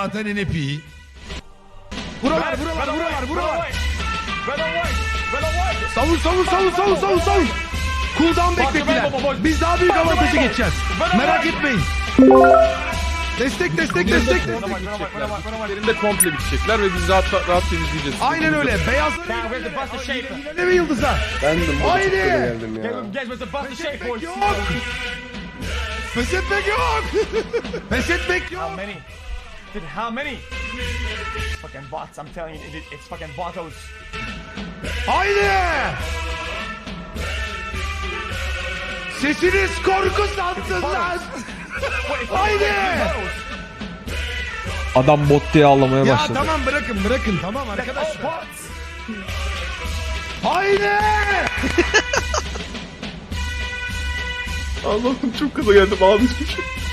zaten NP. Buralar. Savun. Cooldown beklettiler. Biz daha büyük avantajı geçeceğiz. Merak etmeyin. Destek. Yerinde komple bitecekler ve biz rahat temizleyeceğiz. Aynen öyle. Beyazlar ne mi yıldıza? Ben de Haydi. geldim ya. Pes etmek yok. Pes etmek yok. How many? Fucking bots, I'm telling you, it's fucking botos. Haydi. Sesiniz korku sansın lan. Haydi. Adam bot diye ağlamaya Ya başladı. tamam bırakın tamam arkadaşlar. Haydi. Allah'ım çok gaza geldim ağlayacağım.